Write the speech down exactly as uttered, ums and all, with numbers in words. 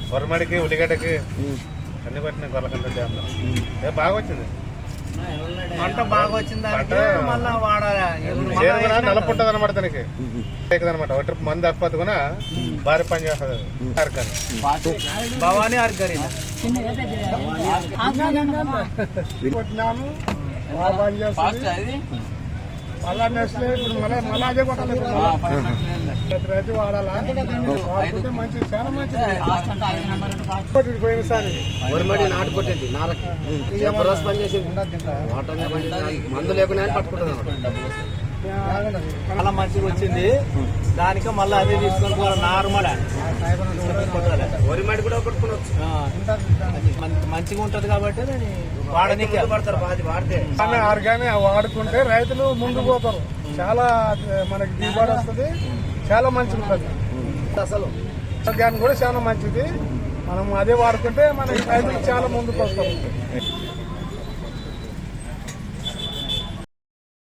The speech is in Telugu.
వరమడికి ఉల్లిగడ్డకి అన్ని పట్టినాయి కొలకంటే బాగా వచ్చింది పంట బాగా వచ్చింది మళ్ళీ వాడాలి నలుపుంటది అనమాట దానికి అనమాట ఒక ట్రిప్ మంది అప్పది కూడా భారీ పని చేస్తుంది అరకని భవానీ అరకరి మళ్ళా నెక్స్ట్ ఇప్పుడు మళ్ళీ మళ్ళీ అదే కొట్టాలి ప్రతి రైతు వాడాలా వాడుకుంటే మంచిది చాలా మంచిది పోయినసారి వరిమడి నాటు కొట్టేది నారకి రోజు పని చేసేది మందు లేకుండా పట్టుకుంటుంది చాలా మంచిగా వచ్చింది దానికి మళ్ళీ అదే తీసుకొని పోవాలి నార్మల్ వరిమడి కూడా కొట్టుకోవచ్చు మంచిగా ఉంటది కాబట్టి వాడనీకి పడతారు బాధ వాడితే ఆర్గానిక్ వాడుకుంటే రైతులు ముందుకు పోతారు చాలా మనకి దిగుబడి వస్తుంది చాలా మంచిది ఉంటుంది అసలు ఆర్గానిక్ కూడా చాలా మంచిది మనం అదే వాడుకుంటే మనకి రైతులు చాలా ముందుకు వస్తారు